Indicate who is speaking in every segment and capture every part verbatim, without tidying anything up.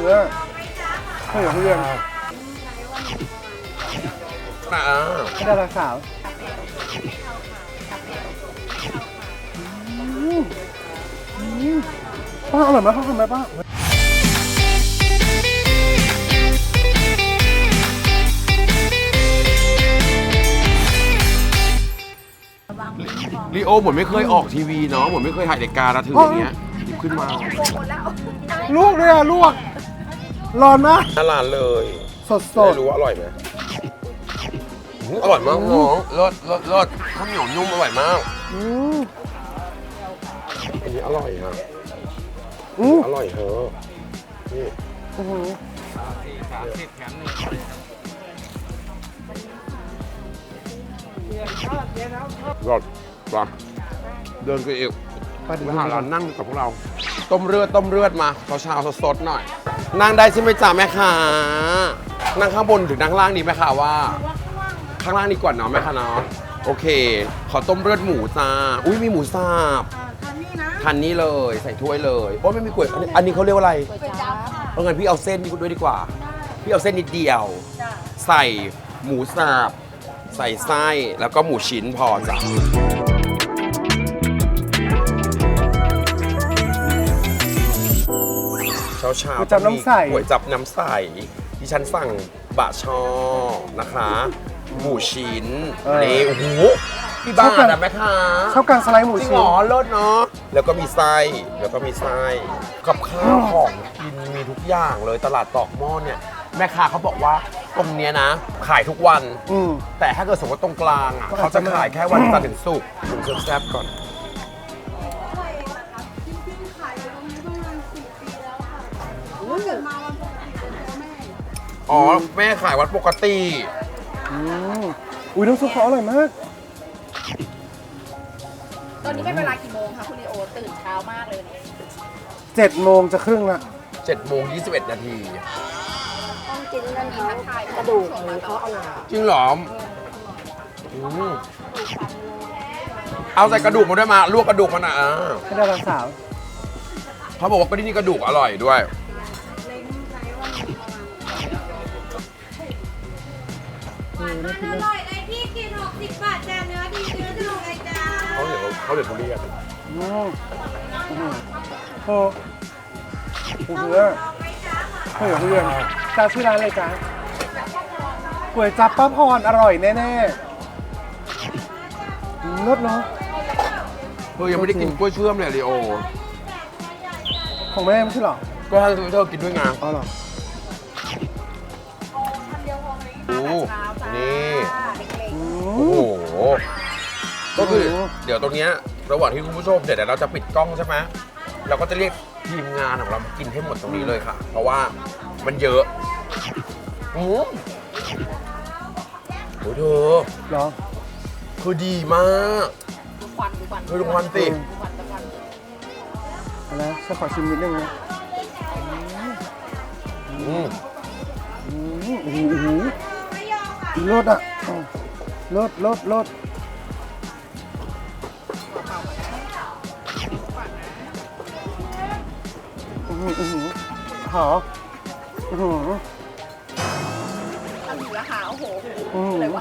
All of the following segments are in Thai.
Speaker 1: นื้อข้าวเหนียวทุเรียน
Speaker 2: อ่า
Speaker 1: ให้ดาราสาวป้าอร่อยไหมป้าทำไหมป้า
Speaker 2: ลีโอเหมือนไม่เคยออกทีวีเนาะเหมือนไม่เคยถ่ายรายการนะถืออย่างเงี้ยหยิบขึ้นมา
Speaker 1: ลวกเลยอ่ะลวกร้อนมาก
Speaker 2: น่าร้านเลย
Speaker 1: สดสด
Speaker 2: ไม่รู้ว่าอร่อยไหมอื้ออร่อยมากน้องรสรสรสข้าวเหนียวนุ่มอร่อยมาก
Speaker 1: อืม
Speaker 2: อันนี้อร่อยฮะ
Speaker 1: อืม
Speaker 2: อร่อยเธอนี่
Speaker 1: อื้อหือ
Speaker 2: รสปะเดินไปอีก
Speaker 1: ป้าดู
Speaker 2: ไปหาร้านนั่งกับพวกเรา ต้มเลือดต้มเลือดมาเช้าๆสดๆหน่อย นั่งได้ใช่ไหมจ๊ะแม่ค้านั่งข้างบนหรือนั่งข้างล่างดีไหมคะว่า ข้างล่างดีกว่าเนาะแม่ค้าเนาะโอเค ขอต้มเลือดหมูจ้าอุ้ยมีหมูสับทานนี่เลยใส่ถ้วยเลยโอ้ยไม่มีก๋วยอันนี้อันนี้เขาเรียกว่าอะไรเพราะงั้นพี่เอาเส้นนี่ด้วยดีกว่า พี่เอาเส้นนิดเดียว ใส่หมูสับใส่ไส้แล้วก็หมูชิ้นพอจ้ะเช้าเช้า
Speaker 1: ก๋วยจับน้ำใส
Speaker 2: ก๋วยจับน้ำใสที่ฉันสั่งบะช่อนะคะ หมูชิ้นนี่โอ้โหพี่บ้าอะแม่ค้า
Speaker 1: ชอบการสไลด์หมู
Speaker 2: จริง
Speaker 1: ชิ้
Speaker 2: เหร
Speaker 1: น
Speaker 2: อเลิศเนาะแล้วก็มีไส้แล้วก็มีไส้กับข้าวของกินมีทุกอย่างเลยตลาดตอกหม้อเนี่ยแม่ค้าเขาบอกว่าตรงเนี้ยนะ ขายทุกวัน
Speaker 1: อืม
Speaker 2: แต่ถ้าเกิดสมมติตรงกลางอ่ะ
Speaker 1: ก็อา
Speaker 2: เขา
Speaker 1: จ
Speaker 2: จะ
Speaker 1: จะ
Speaker 2: ขายแค่วันจันทร์ถึงศุกร์ผมเซิร์ฟแซบก่อนอ๋อแม่ขายวันปกติ
Speaker 1: อืมอุ้ยน้ำซุปเขาอร่อยมาก
Speaker 3: ตอนนี้เป็นเวลากี่โมงคะคุณลีโอตื่นเช้ามากเลยเนี่ย
Speaker 1: เจ็ดโมงจะครึ่งละ
Speaker 2: เจ็ดโมงยี่สิบเอ็ดนาที
Speaker 3: ต้องกินนั่นทักทายกระดูกหรือเขาอร่อย
Speaker 2: จริงเหรออืมเอาใส่กระดูกมาด้วยมาลวกกระดูกมันอ่ะอ่า
Speaker 1: ให้ดาราสาว
Speaker 2: เขาบอกว่าก็ที่นี่กระดูกอร่อยด้วย
Speaker 1: เออน่ากิน
Speaker 4: อ
Speaker 1: มาก
Speaker 4: ร่อยเลยพี่กินหกสิบบาทจ้าเนื้อดีเนื้อถูกเลยจ้า
Speaker 2: เขาเดี๋ยวเขาเดี๋ยวทุเรียน
Speaker 1: อืมอืมโอ้โหเนื้อข้าวเหนียวทุเรียนจ้าชื่อร้านอะไรจ้าก๋วยจับป้าพรอร่อยแน่ๆอืมรสเนาะ
Speaker 2: เธอยังไม่ได้กินกล้วยเชื่อมเลยลีโอ
Speaker 1: ของแม่ไม่ใช่เหรอ
Speaker 2: ก็ให้เธอกินด้วยไง
Speaker 1: อ๋อเหรอ
Speaker 2: โอ้นี่
Speaker 1: อื
Speaker 2: โอ้
Speaker 1: ม
Speaker 2: โห ก็คือ
Speaker 1: โอ้โห
Speaker 2: เดี๋ยวตรงเนี้ยระหว่างที่คุณผู้ชมเดี๋ยวเราจะปิดกล้องใช่ไหมเราก็จะเรียกทีมงานของเรามากินให้หมดตรงนี้เลยค่ะ เพราะว่ามันเยอะอืมโอ้ยเธอ
Speaker 1: เหรอ
Speaker 2: คือดีมาก
Speaker 3: ดูควันดูควัน
Speaker 2: เธอดูควันสิ
Speaker 3: ดูควันดูควัน
Speaker 1: เอาละฉันขอชิมนิดนึงนะ
Speaker 2: อืม
Speaker 1: อืมโอ้โหโอ้โหรสอ่ะอืมรสรสรสอือหืออือหือหออือหือ
Speaker 3: อันนี้ราคาโอ้โห
Speaker 1: อืม
Speaker 3: เลยวะ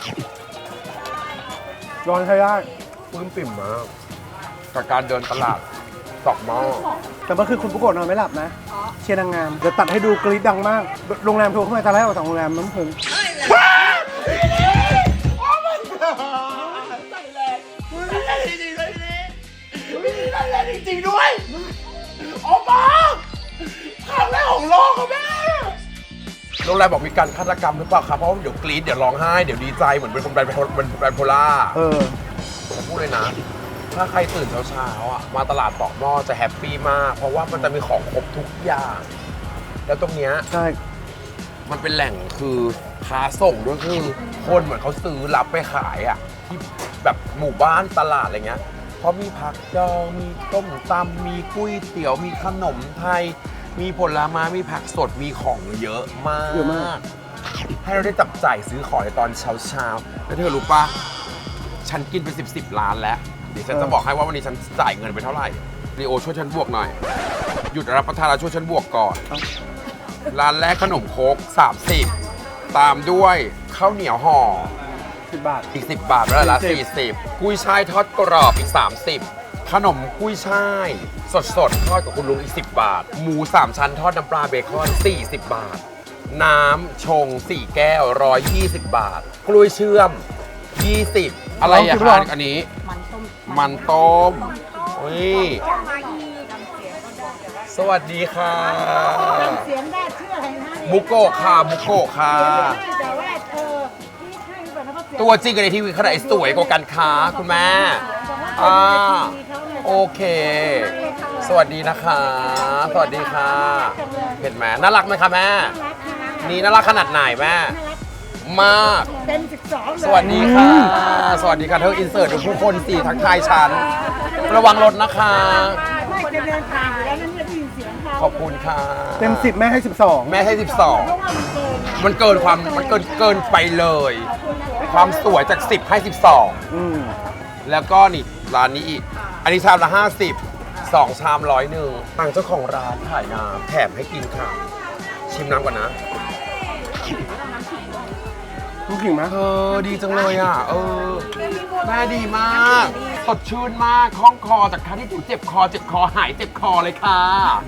Speaker 1: ร้อนใช้ได้
Speaker 2: ปลื้มปิ่มมากกับการเดินตลาดตอกหม้อ
Speaker 1: แต่เมื่อคืนคุณปุ๊กโกะนอนไม่หลับนะ เชียร์นางงาม เดี๋ยวตัดให้ดูกรี๊ดดังมาก โรงแรมโทรเข้ามาตอนแรกออกจากโรงแรมน้ำผึ้ง
Speaker 2: จริงๆด้วยออกมาครั้งแรกของโลกค่ะแม่โรงแรมบอกมีการฆาตกรรมหรือเปล่าครับเพราะว่าเดี๋ยวกรี๊ดเดี๋ยวร้องไห้เดี๋ยวดีใจเหมือนเป็นคนไบโพเป็นไบโพล่า
Speaker 1: เออ
Speaker 2: ผมพูดเลยนะ ถ้าใครตื่นเช้าๆอ่ะมาตลาดตอกหม้อจะแฮปปี้มาก เพราะว่ามันจะมีของครบทุกอย่าง แล้วตรงเนี้ย
Speaker 1: ใช่
Speaker 2: มันเป็นแหล่งคือค้าส่งด้วยคือคนเหมือนเขาซื้อรับไปขายอ่ะที่แบบหมู่บ้านตลาดอะไรเงี้ยเพราะมีผักดองมีต้มตำมีก๋วยเตี๋ยวมีขนมไทย มีผลไม้มีผักสดมีของเยอะมาก
Speaker 1: เยอะมาก
Speaker 2: ให้เราได้จับจ่ายซื้อของในตอนเช้าๆแล้วเธอรู้ปะฉันกินไปสิบสิบล้านแล้วเดี๋ยวฉันจะบอกให้ว่าวันนี้ฉันจ่ายเงินไปเท่าไหร่รีโอช่วยฉันบวกหน่อยหยุดรับประทานแล้วช่วยฉันบวกก่อนร้านแรกขนมโคกสามสิบตามด้วยข้าวเหนียวห่อ
Speaker 1: สิบบาท
Speaker 2: อีกสิบบาทแล้วละสี่สิบกุ้ยช่ายทอดกรอบอีกสามสิบขนมกุ้ยช่าย สดสดๆทอดกับคุณลุงอีกสิบบาท หมูสามชั้นทอดน้ำปลาเบคอนสี่สิบบาท น้ำชงสี่แก้วหนึ่งร้อยยี่สิบบาท กล้วยเชื่อมยี่สิบอะไรอะคะอันนี้
Speaker 3: มันต้ม
Speaker 2: มันต้มอุ้ยสวัสดีค่ะ
Speaker 3: เสียงได้ชื่ออะไรนะ
Speaker 2: บุโกะค่ะบุโกะค่ะ
Speaker 3: แต่ว่าเออที่ใช่หรือเปล่านะเขาเสียง
Speaker 2: ตัวจริงกับในทีวีขนาดสวยกว่ากันค่ะคุณแม่อ่าโอเค สวัสดีนะคะ สวัสดีค่ะ เห็นไหมน่ารักไหมคะแม่ นี่น่ารักขนาดไหนแม่ มาก
Speaker 3: เต็มสิบสองเลย
Speaker 2: สวัสดีค่ะ สวัสดีค่ะเธออินเสิร์ตดูผู้คนสี่ทักทายฉัน ระวังรถนะคะ
Speaker 3: ไม่จะเดินทางอยู่แล้วนั่นไม่ได้ยินเสียงเขา
Speaker 2: ขอบคุณค่ะ
Speaker 1: เต็มสิบแม่ให้สิบสอง
Speaker 2: แม่ให้สิบสอง
Speaker 3: เพราะว่ามันเกินไง
Speaker 2: มันเกินความมันเกินเกินไปเลย ความสวยจากสิบให้สิบสอง
Speaker 1: อืม
Speaker 2: แล้วก็นี่ร้านนี้อีก อันนี้ชามละห้าสิบสองชามร้อยหนึ่งทางเจ้าของร้านขายน้ำแถมให้กินค่ะ ชิมน้ำก่อนนะ
Speaker 1: ลูกขิงไหม
Speaker 2: เออดีจังเลยอ่ะ เออ แม่ดีมากสดชื่นมากคล่องคอจากการที่ถูเจ็บคอเจ็บคอหายเจ็บคอเลยค่ะ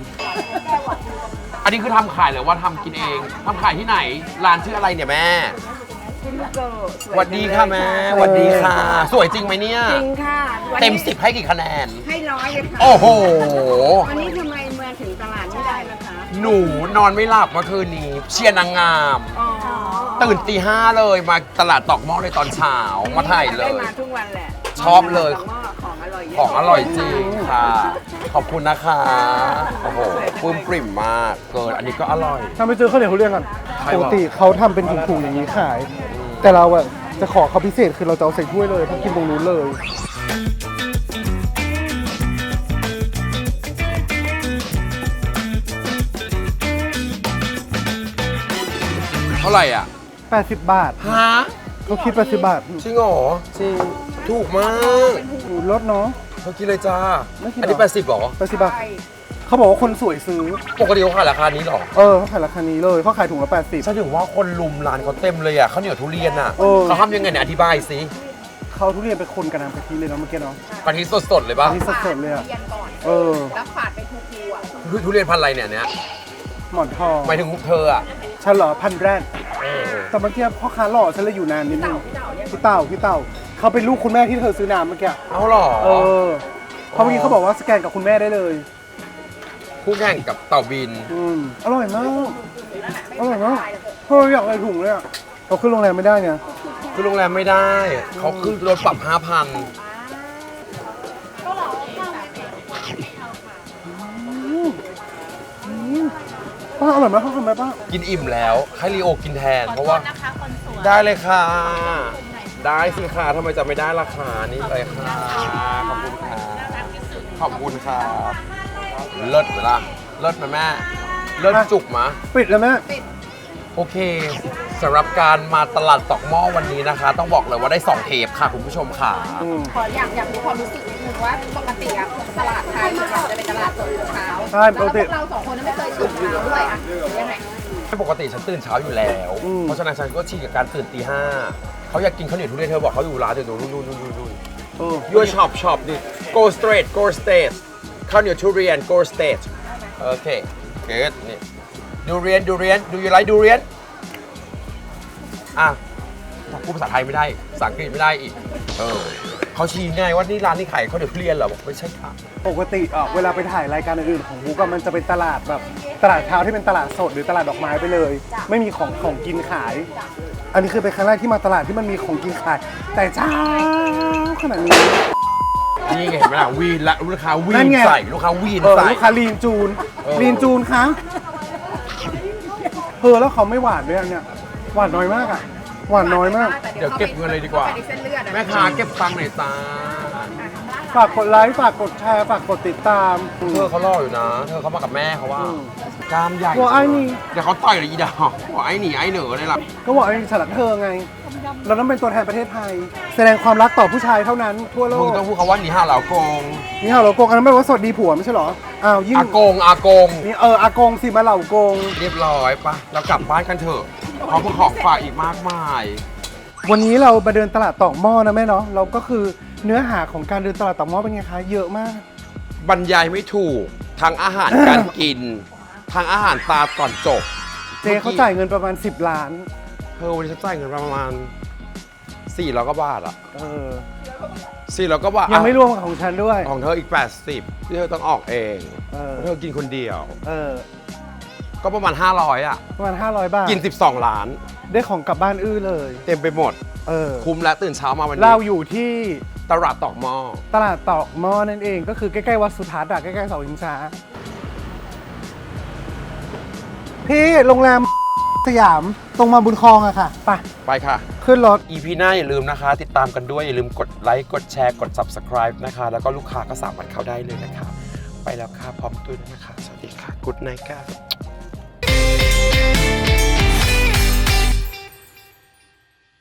Speaker 2: อันนี้คือทำขายหรือว่าทำกินเองทำขายที่ไหน ร้านชื่ออะไรเนี่ยแม่
Speaker 3: คุณลูกเกิด
Speaker 2: สวัสดีค่ะแม่สวัสดีค่ะ สวยจริงไหมเนี่ย
Speaker 3: จริงค่ะวันนี้
Speaker 2: เต็มสิบให้กี่คะแนน
Speaker 3: ให้ร้อยเลยค่ะ
Speaker 2: โอ้โห
Speaker 3: วันนี้ทำไมเมืองถึงตลาดไม่ได้ล่ะคะ
Speaker 2: หนูนอนไม่หลับเมื่อคืนนี้ เชียร์นางงาม
Speaker 3: อ๋อ
Speaker 2: ตื่นตีห้าเลยมาตลาดตอกหม้อเลยตอนเช้ามาถ่ายเล
Speaker 3: ได้
Speaker 2: ย
Speaker 3: มาทุกวันแหละ
Speaker 2: ชอบเลย
Speaker 3: ของอร่อยเยอะ
Speaker 2: ของอร่อยจริงค่ะ ขอบคุณนะคะ โอ้โหปลื้มปริ่มมาก เกินอันนี้ก็อร่อย
Speaker 1: ถ้าไปเจอข้าวเหนียวทุเรียนก่อน
Speaker 2: ใคร
Speaker 1: ป
Speaker 2: บอก
Speaker 1: กติเขาทำเป็นถุงๆอย่างนี้ขาย แต่เราอะจะขอเขาพิเศษคือเราจะเอาใส่ถ้วยเลยเพราะกินตรงนู้นเลย
Speaker 2: เท่าไหร่อ่ะ
Speaker 1: แปดสิบบาท
Speaker 2: ฮะ
Speaker 1: เขาคิดแปดสิบบาท
Speaker 2: จริงเหรอ
Speaker 1: จริง
Speaker 2: ถูกมาก
Speaker 1: อูลดเนาะ
Speaker 2: เขากินเลยจ้า
Speaker 1: ไม่กินหรออั
Speaker 2: อันนี้แปดสิบหรอ
Speaker 1: แปดสิบบาทเขาบอกว่าคนสวยซื้อ
Speaker 2: ปกติเขาขายราคานี้หรอ
Speaker 1: เออเขาขายราคานี้เลยเขาขายถุงละแปดสิบ
Speaker 2: ฉันถึงว่าคนลุมร้านเขาเต็มเลยอ่ะข้าวเหนียวทุเรียนอ่ะ
Speaker 1: เออ
Speaker 2: เขาทำยังไงเนี่ยอธิบายสิ
Speaker 1: เขาทุเรียนไปคนกับน้ำกะทิเลยเนาะเมื่อกี้เนาะ
Speaker 2: กะทิสดๆเลยป่ะ
Speaker 1: อันนี้สดๆเลยอะเออ
Speaker 3: แล้วฝาดไปทุกทีอ่ะ
Speaker 2: ทุทุเรียนพันธุ์อะไรเนี่ยเนี่ย
Speaker 1: หมอนทอง
Speaker 2: หมายถึงเธออ่ะ
Speaker 1: ฉันเหรอพันแรก
Speaker 2: เออ
Speaker 1: แต่เมื่อกี้พ่อค้าหล่อฉันเลยอยู่นานนิดนึงพี่เต่าพี่เต่าเขาเป็นลูกคุณแม่ที่เธอซื้อน้ำเมื่อกี้
Speaker 2: เอาหรอ
Speaker 1: เออเขาเมื่อกี้เขาบอกว่าสแกนกับคุณแม่ได้เลย
Speaker 2: คู่แข่งกับเต่าบิน
Speaker 1: อืมอร่อยมากอร่อยมากเฮ้ยอยากอะไรถุงเลยอ่ะเราขึ้นโรงแรมไม่ได้ไง
Speaker 2: คือโรงแรมไม่ได้ เขาคือรถปรับห้าพัน
Speaker 1: ป้าอร่อยมากเขาทำไหมป้า
Speaker 2: กินอิ่มแล้ว ให้ลีโอกินแทน เพราะว่าได้เลยค่ะ ได้สิค่ะทำไมจะไม่ได้ราคานี่เลยค่ะ ขอบคุณค่ะ ขอบคุณค่ะ เลิศไหมล่ะ เลิศไหมแม่ เลิศจุกมะ
Speaker 1: ปิดแล้วแม่
Speaker 2: โอเคสำหรับการมาตลาดตอกหม้อวันนี้นะคะ ต้องบอกเลยว่าได้สองเทปค่ะคุณผู้ชมค่ะ
Speaker 1: อืม
Speaker 3: ขออยากอยากรู้ความรู้สึกนิดนึงว่าปกติอะตลาดไทยส่วนใหญ่จะเป็นตลาดสดเช้า
Speaker 1: ใช่ปกติ
Speaker 3: แล้วเราสองคนนั้นไม่เคยตื่นเช้าด้วยอะหรือยังไง
Speaker 2: ปกติฉันตื่นเช้าอยู่แล้ว
Speaker 1: อืม
Speaker 2: เพราะฉะนั้นฉันก็ชินกับการตื่นตีห้าเขาอยากกินข้าวเหนียวทุเรียนเธอบอกเขาอยู่ร้านเดี๋ยวดูดูดูดูดูดู
Speaker 1: เออ
Speaker 2: your shop shop ดิ go straight go straight ข้าวเหนียวทุเรียน go straight โอเค good นี่ดูเรียนดูเรียน do you like ดูเรียนอ่ะพูดภาษาไทยไม่ได้ภาษาอังกฤษไม่ได้อีกเออเขาชี้ไงว่านี่ร้านนี้ขายข้าวเหนียวทุเรียนเหรอบอกไม่ใช่ค่ะ
Speaker 1: ปกติอ่ะเวลาไปถ่ายรายการอื่นๆของบุ๊กอะมันจะเป็นตลาดแบบตลาดเช้าที่เป็นตลาดสดหรือตลาดดอกไม้ไปเลย ไม่มีของของกินขาย อันนี้คือเป็นครั้งแรกที่มาตลาดที่มันมีของกินขาย แต่เช้าขนาดนี้
Speaker 2: นี่ไงเห็นไหมล่ะวีนละลูกค้าวี
Speaker 1: นั่
Speaker 2: น
Speaker 1: นไง
Speaker 2: ใส่ลูกค้าวีน
Speaker 1: เออ
Speaker 2: ใส่
Speaker 1: ลูกค้าลีนจูน
Speaker 2: เออ
Speaker 1: ลีนจูนคะเออแล้วเขาไม่หวานด้วยอันเนี่ยหวานน้อยมากอ่ะหวานน้อยมาก
Speaker 2: เดี๋ยวเก็บเงินเลยดีกว่า
Speaker 3: ไปในเส้นเลือดอะ
Speaker 2: แม่ค้าเก็บตังค์หน่อยจ้า
Speaker 1: ฝากกดไลค์ฝากกดแชร์ฝากกดติดตาม
Speaker 2: เธอเขาหล่ออยู่นะ เธอเขามากับแม่เขาว่า กล้ามใหญ่
Speaker 1: หัวไอ้นี่
Speaker 2: เดี๋ยวเขาต่อยเลยอีดาวหัวไอ้หนีไอ้เหนือเลยล่ะ
Speaker 1: ก็บอกไอ้ฉลัดเธอไง เราต้องเป็นตัวแทนประเทศไทย แสดงความรักต่อผู้ชายเท่านั้นทั่วโล
Speaker 2: มึง
Speaker 1: ก
Speaker 2: ต้องพูดคำว่าหนีห่าเหล่าโกง
Speaker 1: นี่ฮะเราโกงอันนั้นไม่ว่าสวัสดีผัวไม่ใช่เหรออ้าวยิ่ง
Speaker 2: อากงอากง
Speaker 1: นี่เอออากงสิมาเหล่าโกง
Speaker 2: เรียบร้อยปะเรากลับบ้านกันเถอะเพราะพวกของฝากอีกมากมาย
Speaker 1: วันนี้เรามาเดินตลาดตอกหม้อนะแม่เนาะเราก็คือเนื้อหาของการเดินตลาดตอกหม้อเป็นไงคะเยอะมาก
Speaker 2: บรรยายไม่ถูกทั้งอาหารการกินทั้งอาหารตาก่อนจบ
Speaker 1: เจเขาจ่ายเงินประมาณสิบล้าน
Speaker 2: เธอวันนี้ฉันจ่ายเงินประมาณสี่ร้อยกว่าบาทอะ
Speaker 1: เออ
Speaker 2: สี่ร้อยกว่าบาท
Speaker 1: ยังไม่รวมกับของฉันด้วย
Speaker 2: ของเธออีกแปดสิบที่เธอต้องออกเอง
Speaker 1: เออ
Speaker 2: เธอกินคนเดียว
Speaker 1: เออ
Speaker 2: ก็ประมาณห้าร้อยอะ
Speaker 1: ประมาณห้าร้อยบาท
Speaker 2: กินสิบสองล้าน
Speaker 1: ได้ของกลับบ้านอื้อเลย
Speaker 2: เต็มไปหมด
Speaker 1: เออ
Speaker 2: คุ้มแล้วตื่นเช้ามาวันนี้
Speaker 1: เราอยู่ที่
Speaker 2: ตลาดตอกหม้อ
Speaker 1: ตลาดตอกหม้อนั่นเองก็คือใกล้ๆวัดสุทัศน์อะใกล้ๆเสาชิงช้าพี่โรงแรมสยามตรงมาบุญคลองอะค่ะไป
Speaker 2: ไปค่ะ
Speaker 1: ขึ้นรถ
Speaker 2: อี พี หน้าอย่าลืมนะคะ ติดตามกันด้วยอย่าลืมกดไลค์กดแชร์กด ซับสไครบ์ นะคะ แล้วก็ลูกค้าก็สามารถเข้าได้เลยนะคะ ไปแล้วค่ะพร้อมตุ้ยนะคะ สวัสดีค่ะกุ๊ดไนท์ค่ะ